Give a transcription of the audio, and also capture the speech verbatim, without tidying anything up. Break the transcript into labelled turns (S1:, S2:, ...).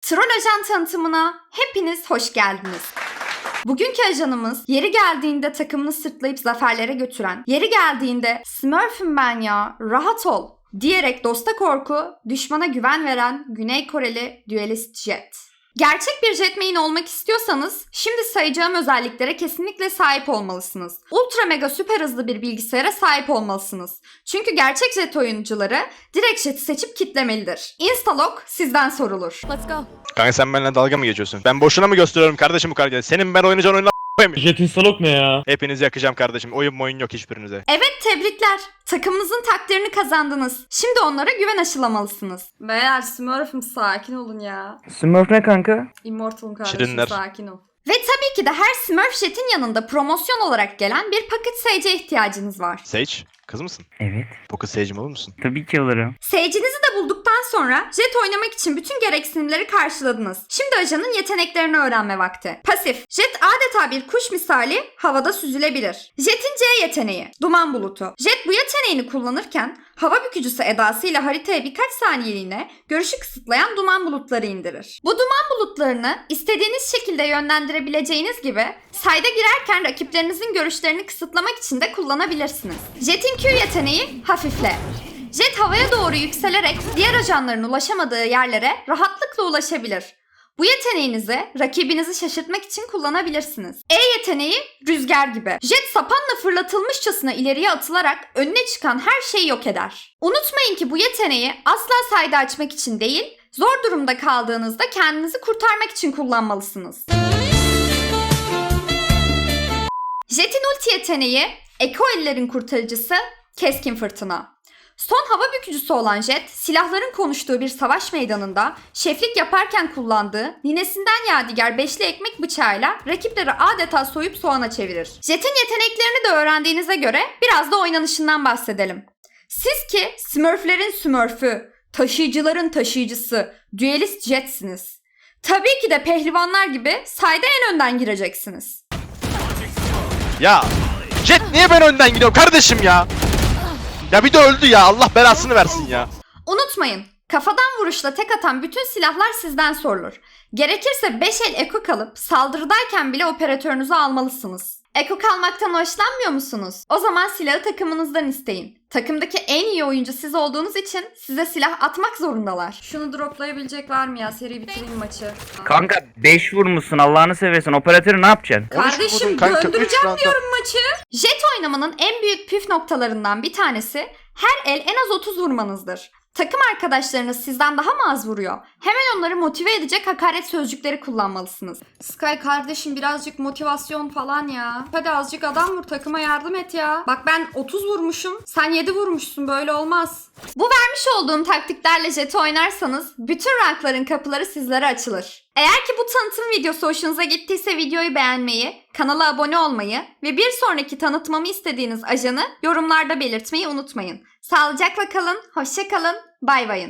S1: Troll Ajan tanıtımına hepiniz hoş geldiniz. Bugünkü ajanımız yeri geldiğinde takımını sırtlayıp zaferlere götüren, yeri geldiğinde "Smurf'üm ben ya, rahat ol" diyerek dosta korku, düşmana güven veren Güney Koreli düelist Jet. Gerçek bir Jet main olmak istiyorsanız şimdi sayacağım özelliklere kesinlikle sahip olmalısınız. Ultra mega süper hızlı bir bilgisayara sahip olmalısınız. Çünkü gerçek Jet oyuncuları direkt Jet'i seçip kitlemelidir. Instalog sizden sorulur.
S2: Let's go.
S3: Kanka sen benimle dalga mı geçiyorsun? Ben boşuna mı gösteriyorum kardeşim bu karakteri? Senin ben oynayacağın oyunla koyayım.
S4: Jet instalok ne ya?
S3: Hepinizi yakacağım kardeşim. Oyun oyun yok hiçbirinize.
S1: Evet, tebrikler. Takımınızın takdirini kazandınız. Şimdi onlara güven aşılamalısınız. Beyler Smurf'üm sakin olun ya.
S5: Smurf ne kanka?
S1: Immortal'ım kardeşim
S3: Şirinler.
S1: sakin ol. Ve tabii ki de her Smurf Jet'in yanında promosyon olarak gelen bir Pocket Sage'e ihtiyacınız var.
S3: Sage, kız mısın?
S5: Evet.
S3: Pocket Sage'im olur musun?
S5: Tabii ki alırım.
S1: Sage'inizi de bulduktan sonra Jet oynamak için bütün gereksinimleri karşıladınız. Şimdi ajanın yeteneklerini öğrenme vakti. Pasif. Jet adeta bir kuş misali havada süzülebilir. Jet'in C yeteneği. Duman bulutu. Jet bu yeteneğini kullanırken hava bükücüsü edasıyla haritaya birkaç saniyeliğine görüşü kısıtlayan duman bulutları indirir. Bu duman bulutlarını istediğiniz şekilde yönlendirebileceğiniz gibi sayda girerken rakiplerinizin görüşlerini kısıtlamak için de kullanabilirsiniz. Jet'in Q yeteneği hafifle. Jet havaya doğru yükselerek diğer ajanların ulaşamadığı yerlere rahatlıkla ulaşabilir. Bu yeteneğinizi rakibinizi şaşırtmak için kullanabilirsiniz. E yeteneği rüzgar gibi. Jet sapanla fırlatılmışçasına ileriye atılarak önüne çıkan her şeyi yok eder. Unutmayın ki bu yeteneği asla sayda açmak için değil, zor durumda kaldığınızda kendinizi kurtarmak için kullanmalısınız. Jet'in ulti yeteneği Eko ellerin kurtarıcısı keskin fırtına. Son hava bükücüsü olan Jet, silahların konuştuğu bir savaş meydanında şeflik yaparken kullandığı ninesinden yadigar beşli ekmek bıçağıyla rakipleri adeta soyup soğana çevirir. Jet'in yeteneklerini de öğrendiğinize göre biraz da oynanışından bahsedelim. Siz ki Smurflerin Smurf'ü, taşıyıcıların taşıyıcısı, düelist Jet'siniz. Tabii ki de pehlivanlar gibi sayda en önden gireceksiniz.
S3: Ya Jet niye ben önden gidiyorum kardeşim ya? Ya bir de öldü ya, Allah belasını versin ya.
S1: Unutmayın, kafadan vuruşla tek atan bütün silahlar sizden sorulur. Gerekirse beş el eko kalıp saldırıdayken bile operatörünüzü almalısınız. Eko kalmaktan hoşlanmıyor musunuz? O zaman silahı takımınızdan isteyin. Takımdaki en iyi oyuncu siz olduğunuz için size silah atmak zorundalar. Şunu droplayabilecek var mı ya? Seri bitireyim maçı.
S5: Kanka beş vurmuşsun Allah'ını seversen. Operatörü ne yapacaksın?
S1: Kardeşim
S3: vurdum kanka, üç
S1: döndüreceğim
S3: roundda.
S1: diyorum maçı. Jet oynamanın en büyük püf noktalarından bir tanesi her el en az otuz vurmanızdır. Takım arkadaşlarınız sizden daha mı az vuruyor? Hemen onları motive edecek hakaret sözcükleri kullanmalısınız. Sky kardeşim birazcık motivasyon falan ya. Hadi azıcık adam vur, takıma yardım et ya. Bak ben otuz vurmuşum, sen yedi vurmuşsun, böyle olmaz. Bu vermiş olduğum taktiklerle Jet'i oynarsanız bütün rankların kapıları sizlere açılır. Eğer ki bu tanıtım videosu hoşunuza gittiyse videoyu beğenmeyi, kanala abone olmayı ve bir sonraki tanıtmamı istediğiniz ajanı yorumlarda belirtmeyi unutmayın. Sağlıcakla kalın, hoşça kalın, bay bayın.